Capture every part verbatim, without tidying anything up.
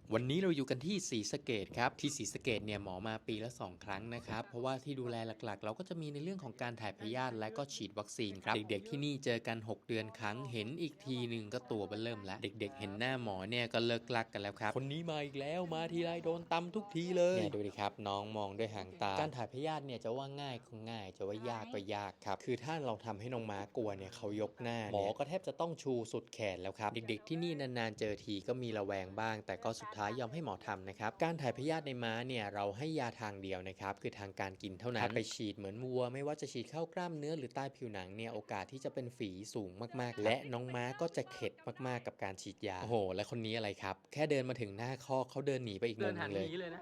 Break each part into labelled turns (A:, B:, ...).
A: วันนี้เราอยู่กันที่ศรีสะเกษครับที่ศรีสะเกษเนี่ยหมอมาปีละสองครั้งนะครับเพราะว่าที่ดูแลหลักๆเราก็จะมีในเรื่องของการถ่ายพยาธิและก็ฉีดวัคซีนครับเด็กๆที่นี่เจอกันหกเดือนครั้งเห็นอีกทีหนึ่งก็ตัวเบิ่มแล้วเด็กๆเห็นหน้าหมอเนี่ยก็เลิกลักกันแล้วครับคนนี้มาอีกแล้วมาทีไรโดนตำทุกทีเลยเนี่ยดูดิครับน้องมองด้วยหางตาการถ่ายพยาธิเนี่ยจะว่าง่ายก็ง่ายจะว่ายากก็ยากครับคือถ้าเราทำให้น้องม้ากลัวเนี่ยเขายกหน้าหมอก็แทบจะต้องชูสุดแขนแล้วครับเด็กๆที่นี่นานๆเจอทีก็มีระแวงบ้างแต่ก็สุดท้ายยอมให้หมอทำนะครับการถ่ายพยาธิในม้าเนี่ยเราให้ยาทางเดียวนะครับคือทางการกินเท่านั้นถ้าไปฉีดเหมือนวัวไม่ว่าจะฉีดเข้ากล้ามเนื้อหรือใต้ผิวหนังเนี่ยโอกาสที่จะเป็นฝีสูงมากๆและน้องม้าก็จะเข็ดมากๆกับการฉีดยาโอ้โหและคนนี้อะไรครับแค่เดินมาถึงหน้าคอกเขาเดินหนีไปอีกมุมนึงเลย
B: เลยนะ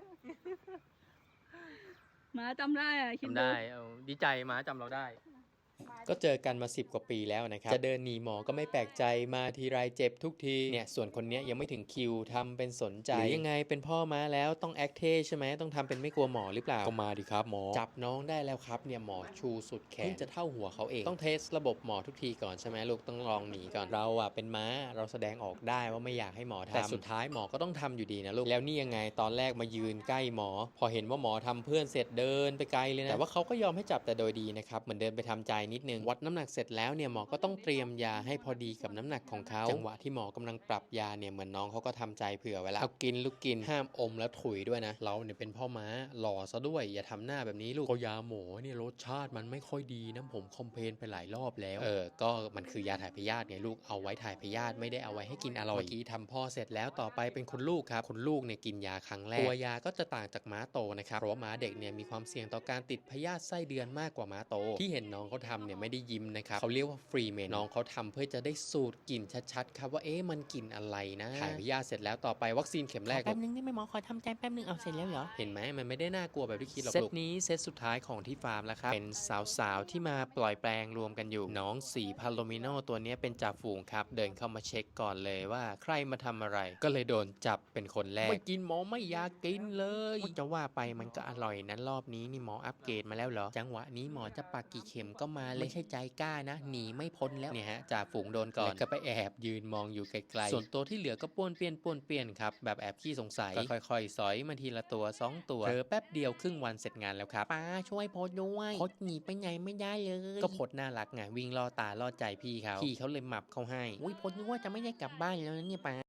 C: หมาจำได้อะคิด
B: จำ
C: ดู
B: ได้เอาดีใจหมาจำเราได้
A: ก็เจอกันมาสิบกว่าปีแล้วนะครับจะเดินหนีหมอก็ไม่แปลกใจมาทีไรเจ็บทุกทีเนี่ยส่วนคนนี้ยังไม่ถึงคิวทำเป็นสนใจหรือยังไงเป็นพ่อม้าแล้วต้องแอคเท่ใช่ไหมต้องทำเป็นไม่กลัวหมอหรือเปล่าก็มาดิครับหมอจับน้องได้แล้วครับเนี่ยหมอชูสุดแขนจะเท่าหัวเขาเองต้องเทสระบบหมอทุกทีก่อนใช่ไหมลูกต้องลองหนีก่อนเราอ่ะเป็นม้าเราแสดงออกได้ว่าไม่อยากให้หมอทำแต่สุดท้ายหมอก็ต้องทำอยู่ดีนะลูกแล้วนี่ยังไงตอนแรกมายืนใกล้หมอพอเห็นว่าหมอทำเพื่อนเสร็จเดินไปไกลเลยนะแต่ว่าเขาก็ยอมให้จับแต่โดยดีนะครับเหมือนเดินไปทำใจนิดนึงวัดน้ำหนักเสร็จแล้วเนี่ยหมอก็ต้องเตรียมยาให้พอดีกับน้ำหนักของเขาจังหวะที่หมอกำลังปรับยาเนี่ยเหมือนน้องเขาก็ทำใจเผื่อไว้แล้วเอากินลูกกินห้ามอมแล้วถุยด้วยนะเราเนี่ยเป็นพ่อม้าหล่อซะด้วยอย่าทำหน้าแบบนี้ลูกก็ยาหมอเนี่ยรสชาติมันไม่ค่อยดีนะผมคอมเพลนไปหลายรอบแล้วเออก็มันคือยาถ่ายพยาธิไงลูกเอาไว้ถ่ายพยาธิไม่ได้เอาไว้ให้กินอร่อยเมื่อกี้ทำพ่อเสร็จแล้วต่อไปเป็นคุณลูกครับคุณลูกเนี่ยกินยาครั้งแรกตัวยาก็จะต่างจากม้าโตนะครับเพราะว่าม้าเด็กเนี่ยมีความเสี่ยงต่อการติดพยาธิไส้เดือนมากกว่าม้าโตที่เห็นน้องเขาทำเนี่ยไม่ได้ยิ้มนะครับเขาเรียกว่าฟรีเมนน้องเขาทำเพื่อจะได้สูตรกลิ่นชัดๆครับว่าเอ๊ะมันกลิ่นอะไรนะถ่ายพยาธิเสร็จแล้วต่อไปวัคซีนเข็มแรก
C: แป๊บนึงได้ไหมหมอขอทำใจแป๊บนึงเอาเสร็จแล้วเหรอ
A: เห็นไหมมันไม่ได้น่ากลัวแบบที่คิดหรอกเซตนี้เซตสุดท้ายของที่ฟาร์มแล้วครับเป็นสาวๆที่มาปล่อยแปลงรวมกันอยู่น้องสีพาโลมิโนตัวนี้เป็นจ่าฝูงครับเดินเข้ามาเช็คก่อนเลยว่าใครมาทำอะไรก็เลยโดนจับเป็นคนแรกไม่กินหมอไม่อยากกินเลยจะว่าไปมันก็อร่อยนั้นรอบนี้นี่หมออัปเกรดมาแล้วเหรอจังหวะนี้หมอจะปักกี่เข็มก็มาเลยไม่ใช่ใจกล้านะหนีไม่พ้นแล้วเนี่ยฮะจ่าฝูงโดนก่อนก็ไปแอบยืนมองอยู่ไกลๆส่วนตัวที่เหลือก็ป้วนเปี้ยนป้วนเปี้ยนครับแบบแอบขี้สงสัยก็ค่อยๆสอยมาทีละตัวสองตัวเธอแป๊บเดียวครึ่งวันเสร็จงานแล้วครับป้าช่วยโพสด้วยโพสหนีไปไหนไม่ได้เลยก็โพสน่ารักไงวิ่งล่อตาล่อใจพี่เขาพี่เขาเลยหมับเขาให้อุ้ยโพสนึกว่าจะไม่ได้กลับบ้านแล้วนะเนี่ยป้า